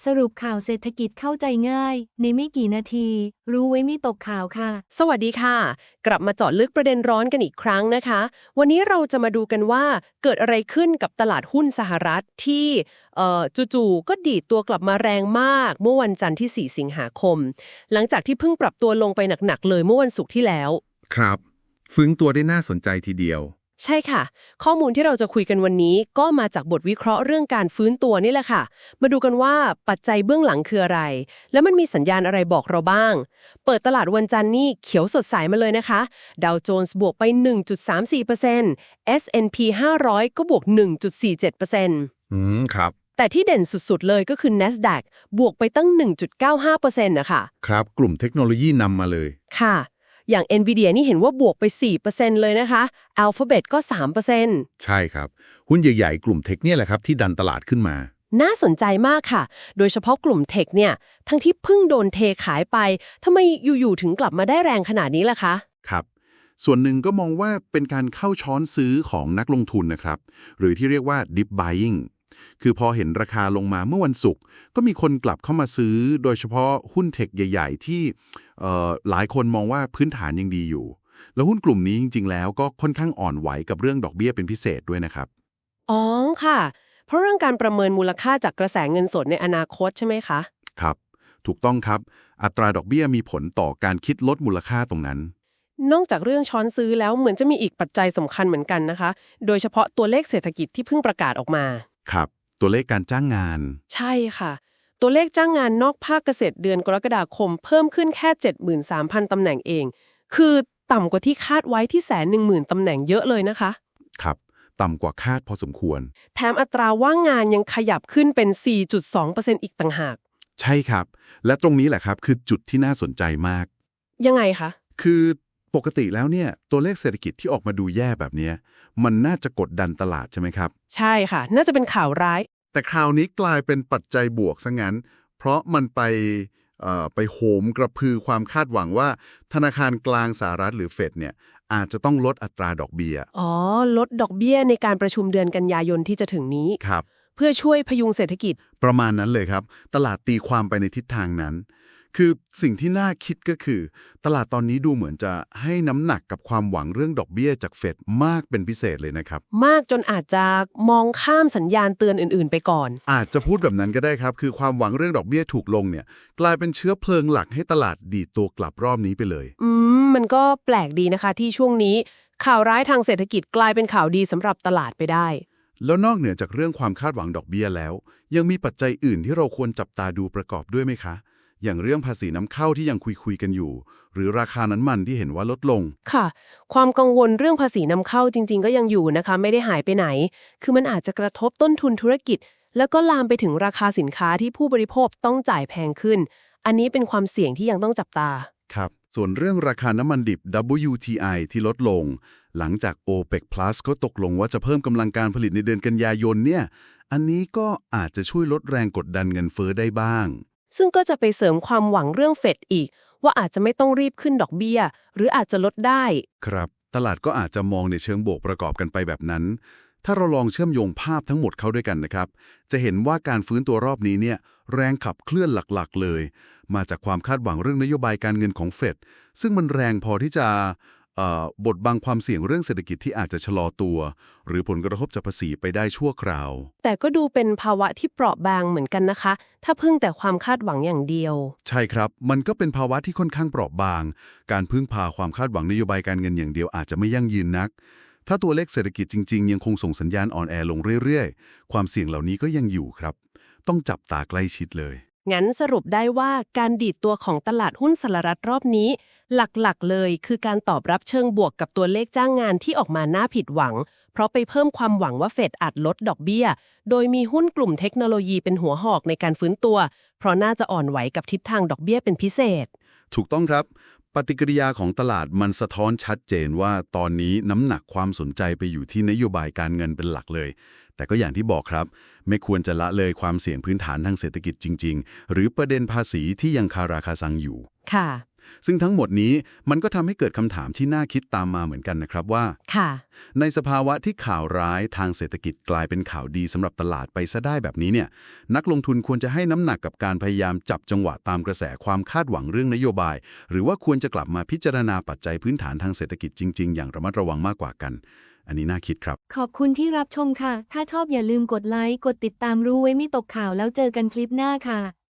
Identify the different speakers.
Speaker 1: สรุปข่าวเศรษฐกิจเข้าใจง่ายในไม่กี่นาทีรู้ไว้ไม่ตกข่าวค่ะ
Speaker 2: สวัสดีค่ะกลับมาเจาะลึกประเด็นร้อนกันอีกครั้งนะคะวันนี้เราจะมาดูกันว่าเกิดอะไรขึ้นกับตลาดหุ้นสหรัฐที่จู่ๆก็ดีดตัวกลับมาแรงมากเมื่อวันจันทร์ที่ 4 สิงหาคมหลังจากที่เพิ่งปรับตัวลงไปหนักๆเลยเมื่อวันศุกร์ที่แล้ว
Speaker 3: ครับฟื้นตัวได้น่าสนใจทีเดียว
Speaker 2: ใช่ค่ะข้อมูลที่เราจะคุยกันวันนี้ก็มาจากบทวิเคราะห์เรื่องการฟื้นตัวนี่แหละค่ะมาดูกันว่าปัจจัยเบื้องหลังคืออะไรแล้วมันมีสัญญาณอะไรบอกเราบ้างเปิดตลาดวันจันทร์นี่เขียวสดใสมาเลยนะคะดาวโจนส์บวกไป 1.34% S&P 500ก็บวก 1.47%
Speaker 3: ครับ
Speaker 2: แต่ที่เด่นสุดๆเลยก็คือ NASDAQ บวกไปตั้ง 1.95% นะคะ
Speaker 3: ครับกลุ่มเทคโนโลยีนำมาเลย
Speaker 2: ค่ะอย่าง NVIDIA นี่เห็นว่าบวกไป 4% เลยนะคะ Alphabet ก็ 3%
Speaker 3: ใช่ครับหุ้นใหญ่ๆกลุ่มเทคเนี่ยแหละครับที่ดันตลาดขึ้นมา
Speaker 2: น่าสนใจมากค่ะโดยเฉพาะกลุ่มเทคเนี่ยทั้งที่เพิ่งโดนเทขายไปทำไมอยู่ๆถึงกลับมาได้แรงขนาดนี้ล่ะคะ
Speaker 3: ครับส่วนหนึ่งก็มองว่าเป็นการเข้าช้อนซื้อของนักลงทุนนะครับหรือที่เรียกว่า dip buying คือพอเห็นราคาลงมาเมื่อวันศุกร์ก็มีคนกลับเข้ามาซื้อโดยเฉพาะหุ้นเทคใหญ่ๆที่หลายคนมองว่าพื้นฐานยังดีอยู่แล้วหุ้นกลุ่มนี้จริงๆแล้วก็ค่อนข้างอ่อนไหวกับเรื่องดอกเบี้ยเป็นพิเศษด้วยนะครับ
Speaker 2: อ๋อค่ะเพราะเรื่องการประเมินมูลค่าจากกระแสเงินสดในอนาคตใช่ไหมคะ
Speaker 3: ครับถูกต้องครับอัตราดอกเบี้ยมีผลต่อการคิดลดมูลค่าตรงนั้น
Speaker 2: นอกจากเรื่องช้อนซื้อแล้วเหมือนจะมีอีกปัจจัยสำคัญเหมือนกันนะคะโดยเฉพาะตัวเลขเศรษฐกิจที่เพิ่งประกาศออกมา
Speaker 3: ครับตัวเลขการจ้างงาน
Speaker 2: ใช่ค่ะตัวเลขจ้างงานนอกภาคเกษตรเดือนกรกฎาคมเพิ่มขึ้นแค่ 73,000 ตำแหน่งเองคือต่ำกว่าที่คาดไว้ที่ 110,000 ตำแหน่งเยอะเลยนะคะ
Speaker 3: ครับต่ำกว่าคาดพอสมควร
Speaker 2: แถมอัตราว่างงานยังขยับขึ้นเป็น 4.2% อีกต่างหาก
Speaker 3: ใช่ครับและตรงนี้แหละครับคือจุดที่น่าสนใจมาก
Speaker 2: ยังไงคะ
Speaker 3: คือปกติแล้วเนี่ยตัวเลขเศรษฐกิจที่ออกมาดูแย่แบบนี้มันน่าจะกดดันตลาดใช่ไหมครับ
Speaker 2: ใช่ค่ะน่าจะเป็นข่าวร้าย
Speaker 3: แต่คราวนี้กลายเป็นปัจจัยบวกซะงั้นเพราะมันไปโหมกระพือความคาดหวังว่าธนาคารกลางสหรัฐหรือเฟดเนี่ยอาจจะต้องลดอัตราดอกเบี้ย
Speaker 2: อ๋อลดดอกเบี้ยในการประชุมเดือนกันยายนที่จะถึงนี้
Speaker 3: ครับ
Speaker 2: เพื่อช่วยพยุงเศรษฐกิจ
Speaker 3: ประมาณนั้นเลยครับตลาดตีความไปในทิศทางนั้นคือสิ่งที่น่าคิดก็คือตลาดตอนนี้ดูเหมือนจะให้น้ำหนักกับความหวังเรื่องดอกเบี้ยจากเฟดมากเป็นพิเศษเลยนะครับ
Speaker 2: มากจนอาจจะมองข้ามสัญญาณเตือนอื่นๆไปก่อน
Speaker 3: อาจจะพูดแบบนั้นก็ได้ครับคือความหวังเรื่องดอกเบี้ยถูกลงเนี่ยกลายเป็นเชื้อเพลิงหลักให้ตลาดดีดตัวกลับรอบนี้ไปเลย
Speaker 2: มันก็แปลกดีนะคะที่ช่วงนี้ข่าวร้ายทางเศรษฐกิจกลายเป็นข่าวดีสำหรับตลาดไปได้
Speaker 3: แล้วนอกเหนือจากเรื่องความคาดหวังดอกเบี้ยแล้วยังมีปัจจัยอื่นที่เราควรจับตาดูประกอบด้วยไหมคะอย่างเรื่องภาษีน้ำเข้าที่ยังคุยกันอยู่หรือราคาน้ำมันที่เห็นว่าลดลง
Speaker 2: ค่ะความกังวลเรื่องภาษีนำเข้าจริงๆก็ยังอยู่นะคะไม่ได้หายไปไหนคือมันอาจจะกระทบต้นทุนธุรกิจแล้วก็ลามไปถึงราคาสินค้าที่ผู้บริโภคต้องจ่ายแพงขึ้นอันนี้เป็นความเสี่ยงที่ยังต้องจับตา
Speaker 3: ครับส่วนเรื่องราคาน้ำมันดิบ WTI ที่ลดลงหลังจาก OPEC Plus เขาตกลงว่าจะเพิ่มกำลังการผลิตในเดือนกันยายนเนี่ยอันนี้ก็อาจจะช่วยลดแรงกดดันเงินเฟ้อได้บ้าง
Speaker 2: ซึ่งก็จะไปเสริมความหวังเรื่องเฟดอีกว่าอาจจะไม่ต้องรีบขึ้นดอกเบี้ยหรืออาจจะลดได้
Speaker 3: ครับตลาดก็อาจจะมองในเชิงบวกประกอบกันไปแบบนั้นถ้าเราลองเชื่อมโยงภาพทั้งหมดเข้าด้วยกันนะครับจะเห็นว่าการฟื้นตัวรอบนี้เนี่ยแรงขับเคลื่อนหลักๆเลยมาจากความคาดหวังเรื่องนโยบายการเงินของเฟดซึ่งมันแรงพอที่จะบดบังความเสี่ยงเรื่องเศรษฐกิจที่อาจจะชะลอตัวหรือผลกระทบจากภาษีไปได้ชั่วคราว
Speaker 2: แต่ก็ดูเป็นภาวะที่เปราะบางเหมือนกันนะคะถ้าพึ่งแต่ความคาดหวังอย่างเดียว
Speaker 3: ใช่ครับมันก็เป็นภาวะที่ค่อนข้างเปราะบางการพึ่งพาความคาดหวังนโยบายการเงินอย่างเดียวอาจจะไม่ยั่งยืนนักถ้าตัวเลขเศรษฐกิจจริงๆยังคงส่งสัญญาณอ่อนแอลงเรื่อยๆความเสี่ยงเหล่านี้ก็ยังอยู่ครับต้องจับตาใกล้ชิดเลย
Speaker 2: งั้นสรุปได้ว่าการดีดตัวของตลาดหุ้นสหรัฐรอบนี้หลักๆเลยคือการตอบรับเชิงบวกกับตัวเลขจ้างงานที่ออกมาน่าผิดหวังเพราะไปเพิ่มความหวังว่าเฟดอาจลดดอกเบี้ยโดยมีหุ้นกลุ่มเทคโนโลยีเป็นหัวหอกในการฟื้นตัวเพราะน่าจะอ่อนไหวกับทิศทางดอกเบี้ยเป็นพิเศษ
Speaker 3: ถูกต้องครับปฏิกิริยาของตลาดมันสะท้อนชัดเจนว่าตอนนี้น้ำหนักความสนใจไปอยู่ที่นโยบายการเงินเป็นหลักเลยแต่ก็อย่างที่บอกครับไม่ควรจะละเลยความเสี่ยงพื้นฐานทางเศรษฐกิจจริงๆหรือประเด็นภาษีที่ยังคาราคาซังอยู่
Speaker 2: ค่ะ
Speaker 3: ซึ่งทั้งหมดนี้มันก็ทำให้เกิดคำถามที่น่าคิดตามมาเหมือนกันนะครับว่า
Speaker 2: ค่ะ
Speaker 3: ในสภาวะที่ข่าวร้ายทางเศรษฐกิจกลายเป็นข่าวดีสำหรับตลาดไปซะได้แบบนี้เนี่ยนักลงทุนควรจะให้น้ำหนักกับการพยายามจับจังหวะตามกระแสความคาดหวังเรื่องนโยบาย หรือว่าควรจะกลับมาพิจารณาปัจจัยพื้นฐานทางเศรษฐกิจจริงๆอย่างระมัดระวังมากกว่ากัน อันนี้น่าคิดครับ
Speaker 1: ขอบคุณที่รับชมค่ะ ถ้าชอบอย่าลืมกดไลค์ กดติดตามรู้ไว้ไม่ตกข่าวแล้วเจอกันคลิปหน้าค่ะ